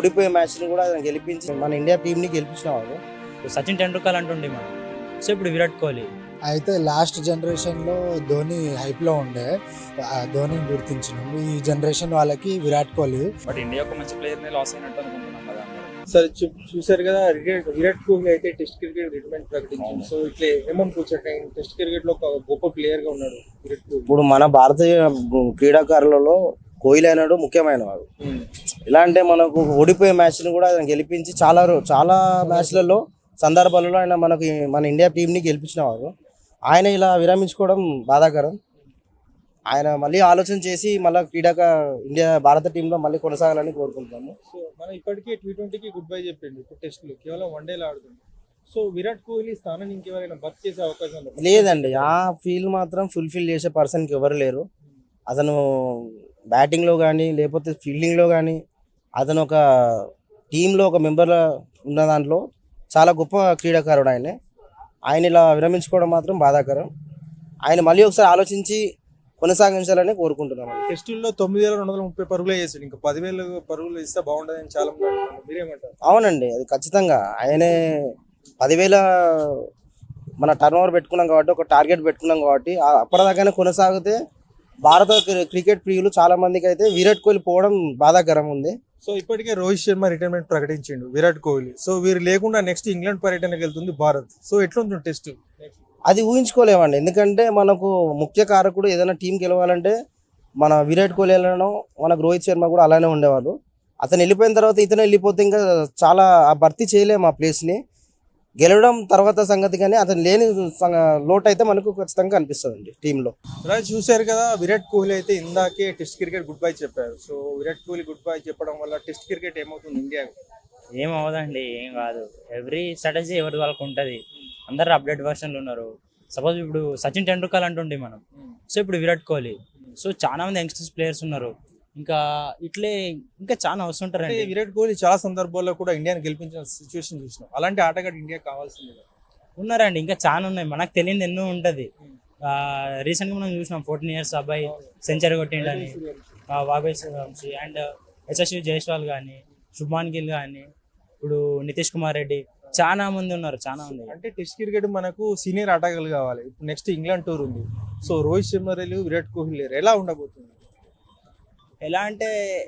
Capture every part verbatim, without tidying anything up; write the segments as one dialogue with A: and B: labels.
A: ఓడిపోయే మ్యాచ్ని కూడా గెలిపించి మన ఇండియా టీంని గెలిపించిన వాడు.
B: సచిన్ టెండూల్కర్ అంటుండే మనం. సో ఇప్పుడు విరాట్ కోహ్లీ.
C: అయితే లాస్ట్ జనరేషన్లో ధోని హైప్లో ఉండే, ఆ ధోనిని గుర్తించినాం. ఈ జనరేషన్ వాళ్ళకి విరాట్ కోహ్లీ.
D: బట్ ఇండియా ఒక మంచి ప్లేయర్ని లాస్ అయినట్టు అనుకుంటున్నాం కదా.
E: సార్ చూసారు కదా, విరాట్ కోహ్లీ అయితే టెస్ట్ క్రికెట్ రిటైర్మెంట్ ప్రకటించారు. సో ఇట్లా ఏమనుకోవచ్చు, టెస్ట్ క్రికెట్ లో ఒక గొప్ప ప్లేయర్ గా ఉన్నాడు విరాట్ కోహ్లీ.
A: ఇప్పుడు మన భారతీయ క్రీడాకారులలో కోహ్లీ అయినాడు ముఖ్యమైన వాడు. ఎలా అంటే మనకు ఓడిపోయే మ్యాచ్ని కూడా గెలిపించి చాలా చాలా మ్యాచ్లలో సందర్భాలలో ఆయన మనకి మన ఇండియా టీంని గెలిపించిన వాడు. ఆయన ఇలా విరమించుకోవడం బాధాకరం. ఆయన మళ్ళీ ఆలోచన చేసి మళ్ళీ క్రీడాక ఇండియా భారత టీంలో మళ్ళీ కొనసాగాలని కోరుకుంటున్నాము.
E: సో మనం ఇప్పటికే టీ ట్వంటీకి గుడ్ బై చెప్పిండు, ఇప్పుడు టెస్ట్లు కేవలం వన్ డేలో ఆడుతుంది. సో విరాట్ కోహ్లీ స్థానం ఇంకెవరైనా బర్త్ చేసే అవకాశం
A: లేదండి. ఆ ఫీల్ మాత్రం ఫుల్ఫిల్ చేసే పర్సన్కి ఎవరు లేరు. అతను బ్యాటింగ్లో కానీ లేకపోతే ఫీల్డింగ్లో కానీ అతను ఒక టీంలో ఒక మెంబర్ ఉన్న దాంట్లో చాలా గొప్ప క్రీడాకారుడు ఆయన. ఆయన ఇలా విరమించుకోవడం మాత్రం బాధాకరం. ఆయన మళ్ళీ ఒకసారి ఆలోచించి కొనసాగించాలని కోరుకుంటున్నాను.
E: టెస్టుల్లో తొమ్మిది వేల రెండు వందల ముప్పై పరుగులే చేసాడు, ఇంకా పదివేల పరుగులు ఇస్తే బాగుంటుందని చాలా మంది అంటున్నారు. మీరేమంటారు?
A: అవునండి, అది ఖచ్చితంగా ఆయనే పదివేల మన టర్న్ ఓవర్ పెట్టుకున్నాం కాబట్టి, ఒక టార్గెట్ పెట్టుకున్నాం కాబట్టి అప్పటిదాకానే కొనసాగితే భారత క్రికెట్ ప్రియులు చాలా మందికి అయితే విరాట్ కోహ్లీ పోవడం బాధాకరం ఉంది.
E: సో ఇప్పటికే రోహిత్ శర్మ రిటైర్మెంట్ ప్రకటించిండు విరాట్ కోహ్లీ. సో వీరు లేకుండా నెక్స్ట్ ఇంగ్లాండ్ పర్యటనకు వెళ్తుంది భారత్. సో ఎట్లుంటుంది టెస్ట్?
A: అది ఊహించుకోలేమండి, ఎందుకంటే మనకు ముఖ్య కారకుడు ఏదైనా టీం గెలవాలంటే మన విరాట్ కోహ్లీ వెళ్ళడం, మనకు రోహిత్ శర్మ కూడా అలానే ఉండేవాళ్ళు. అతను వెళ్ళిపోయిన తర్వాత ఇతను వెళ్ళిపోతే ఇంకా చాలా ఆ భర్తీ చేయలేము ఆ ప్లేస్ని. గెలవడం తర్వాత సంగతి, కానీ అతను లేని లోటు అయితే మనకు ఖచ్చితంగా అనిపిస్తుంది టీంలో.
E: రాజు చూశారు కదా, విరాట్ కోహ్లీ అయితే ఇందాకే టెస్ట్ క్రికెట్ గుడ్ బై చెప్పారు. So Virat Kohli good చెప్పడం వల్ల టెస్ట్ క్రికెట్ ఏమవుతుంది ఇండియా?
B: ఏం అవ్వదండి, ఏం కాదు. ఎవ్రీ స్ట్రాటజీ ఎవరి వాళ్ళకి ఉంటుంది. అందరు అప్డేట్ వర్షన్లు ఉన్నారు. సపోజ్ ఇప్పుడు సచిన్ టెండూల్కర్ అంటుండే మనం. సో ఇప్పుడు విరాట్ కోహ్లీ. సో చాలా మంది యంగ్స్టర్స్ ప్లేయర్స్ ఉన్నారు. ఇంకా ఇట్లే ఇంకా చాలా వస్తుంటారండి.
E: విరాట్ కోహ్లీ చాలా సందర్భాల్లో కూడా ఇండియాని గెలిపించిన సిచ్యువేషన్ చూసినాం. అలాంటి ఆటగాడు ఇండియా కావాల్సింది
B: ఉన్నారండి, ఇంకా చాలా ఉన్నాయి. మనకు తెలియదు ఎన్నో ఉంటుంది. రీసెంట్గా మనం చూసినాం ఫోర్టీన్ ఇయర్స్ అబ్బాయి సెంచరీ కొట్టిండని, వాబే వంశీ అండ్ యశస్వి జైస్వాల్ కానీ, శుభ్మాన్ గిల్ కానీ, ఇప్పుడు నితీష్ కుమార్ రెడ్డి, చాలా మంది ఉన్నారు. చాలా మంది
E: అంటే టెస్ట్ క్రికెట్ మనకు సీనియర్ ఆటగాళ్ళు కావాలి. ఇప్పుడు నెక్స్ట్ ఇంగ్లాండ్ టూర్ ఉంది. సో రోహిత్ శర్మ లేరు, విరాట్ కోహ్లీ లేరు, ఎలా ఉండబోతుంది?
B: ఎలా అంటే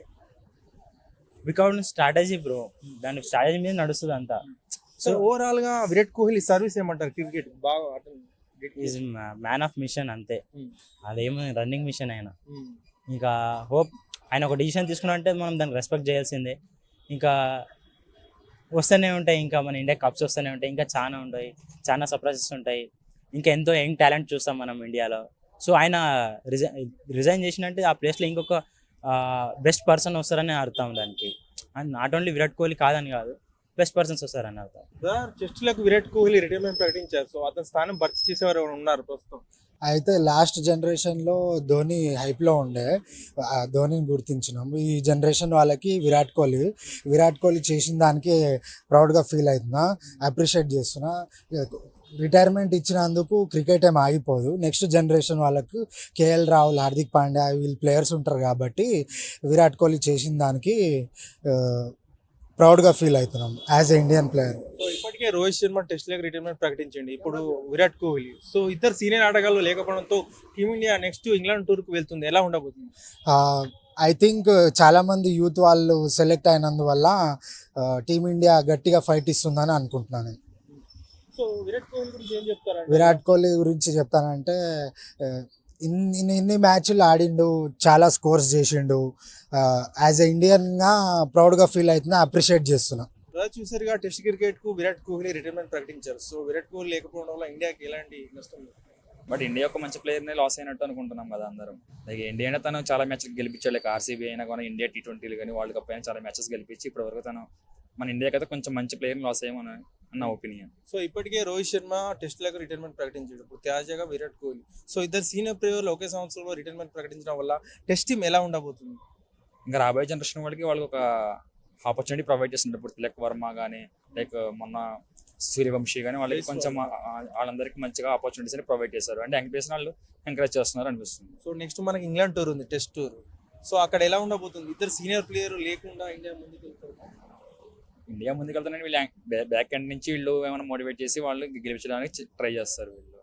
B: వికౌట్ స్ట్రాటజీ బ్రో, దాని స్ట్రాటజీ మీద నడుస్తుంది అంతా.
E: సో ఓవరాల్ గా విరాట్ కోహ్లీ సర్వీస్ ఏమంటారు? క్రికెట్ బాగా
B: ఈజ్ మ్యాన్ ఆఫ్ మిషన్ అంతే. అదేమో రన్నింగ్ మిషన్ ఆయన. ఇంకా హోప్ ఆయన ఒక డిసిషన్ తీసుకున్నా అంటే మనం దాన్ని రెస్పెక్ట్ చేయాల్సిందే. ఇంకా వస్తూనే ఉంటాయి, ఇంకా మన ఇండియా కప్స్ వస్తూనే ఉంటాయి, ఇంకా చాలా ఉంటాయి, చాలా సర్ప్రైజెస్ ఉంటాయి. ఇంకా ఎంతో యంగ్ టాలెంట్ చూస్తాం మనం ఇండియాలో. సో ఆయన రిజైన్ రిజైన్ చేసినట్టే ఆ ప్లేస్లో ఇంకొక బెస్ట్ పర్సన్ వస్తారని అర్థం దానికి. And not only Virat Kohli కాదని కాదు, బెస్ట్ పర్సన్స్ వస్తారని అర్థం.
E: టెస్టులకు విరాట్ కోహ్లీ రిటైర్మెంట్ ప్రకటించారు. సో అతని స్థానం భర్తీ చేసేవారు ఉన్నారు ప్రస్తుతం?
C: అయితే లాస్ట్ జనరేషన్లో ధోని హైప్లో ఉండే, ధోనిని గుర్తించినాం. ఈ జనరేషన్ వాళ్ళకి విరాట్ కోహ్లీ విరాట్ కోహ్లీ చేసిన దానికి ప్రౌడ్గా ఫీల్ అవుతున్నా, అప్రిషియేట్ చేస్తున్నా. రిటైర్మెంట్ ఇచ్చినందుకు క్రికెట్ ఏం ఆగిపోదు. నెక్స్ట్ జనరేషన్ వాళ్ళకు కేఎల్ రాహుల్, హార్దిక్ పాండ్యా వీళ్ళు ప్లేయర్స్ ఉంటారు కాబట్టి విరాట్ కోహ్లీ చేసిన దానికి ప్రౌడ్గా ఫీల్ అవుతున్నాం as a Indian player.
E: So ఇప్పటికే రోహిత్ శర్మ టెస్ట్ లకు రిటైర్మెంట్ ప్రకటించండి, ఇప్పుడు విరాట్ కోహ్లీ. సో ఇద్దరు సీనియర్ ఆటగాళ్ళు లేకపోవడంతో టీమిండియా నెక్స్ట్ ఇంగ్లాండ్ టూర్కి వెళ్తుంది. ఎలా ఉండబోతుంది?
C: ఐ థింక్ చాలామంది యూత్ వాళ్ళు సెలెక్ట్ అయినందువల్ల టీమిండియా గట్టిగా ఫైట్ ఇస్తుందని అనుకుంటున్నాను.
E: సో విరాట్ కోహ్లీ గురించి ఏం చెప్తారు?
C: విరాట్ కోహ్లీ గురించి చెప్తానంటే ఇన్ని ఇన్ని మ్యాచ్లు ఆడిండు, చాలా స్కోర్స్ చేసిండు. యాజ్ ఎ ఇండియన్గా ప్రౌడ్గా ఫీల్ అవుతున్నా, అప్రిషియేట్ చేస్తున్నా.
E: చూసారుగా టెస్ట్ క్రికెట్ కు విరాట్ కోహ్లీ రిటైర్మెంట్ ప్రకటించారు. సో విరాట్ కోహ్లీ లేకపోవడం వల్ల ఇండియాకి ఎలాంటి నష్టం?
D: బట్ ఇండియా ఒక మంచి ప్లేయర్ని లాస్ అయినట్టు అనుకుంటున్నాం కదా అందరం. లైక్ ఇండియా అయినా తను చాలా మ్యాచ్లు గెలిపించాడు. లైక్ ఆర్సీబీ అయినా కానీ, ఇండియా టీ ట్వంటీలు కానీ, వరల్డ్ కప్ అయినా చాలా మ్యాచెస్ గెలిపించి ఇప్పటి వరకు తను మన ఇండియాకి అయితే కొంచెం మంచి ప్లేయర్ని లాస్ అయ్యామని నా ఒపీనియన్.
E: సో ఇప్పటికే రోహిత్ శర్మ టెస్ట్ లకు రిటైర్మెంట్ ప్రకటించాడు, ఇప్పుడు తాజాగా విరాట్ కోహ్లీ. సో ఇద్దరు సీనియర్ ప్లేయర్లు ఒకే సంవత్సరంలో రిటైర్మెంట్ ప్రకటించడం వల్ల టెస్ట్ టీమ్ ఎలా ఉండబోతుంది?
D: ఇంకా రాబోయే జనరేషన్ వాళ్ళకి వాళ్ళకి ఒక ఆపర్చునిటీ ప్రొవైడ్ చేస్తుంటారు. ఇప్పుడు తిలక్ వర్మ కానీ, లైక్ మొన్న సూర్యవంశీ కానీ వాళ్ళకి కొంచెం వాళ్ళందరికీ మంచిగా ఆపర్చునిటీస్ అని ప్రొవైడ్ చేశారు. అంటే యంగ్ ప్లేయర్స్ వాళ్ళు ఎంకరేజ్ చేస్తున్నారు అనిపిస్తుంది.
E: సో నెక్స్ట్ మనకి ఇంగ్లాండ్ టూర్ ఉంది, టెస్ట్ టూర్. సో అక్కడ ఎలా ఉండబోతుంది? ఇద్దరు సీనియర్ ప్లేయర్ లేకుండా ఇండియా ముందుకు వెళ్తారు.
D: ఇండియా ముందుకు వెళ్తానని వీళ్ళు బ్యాక్ ఎండ్ నుంచి వీళ్ళు ఏమైనా మోటివేట్ చేసి వాళ్ళు గెలిపించడానికి ట్రై చేస్తారు వీళ్ళు.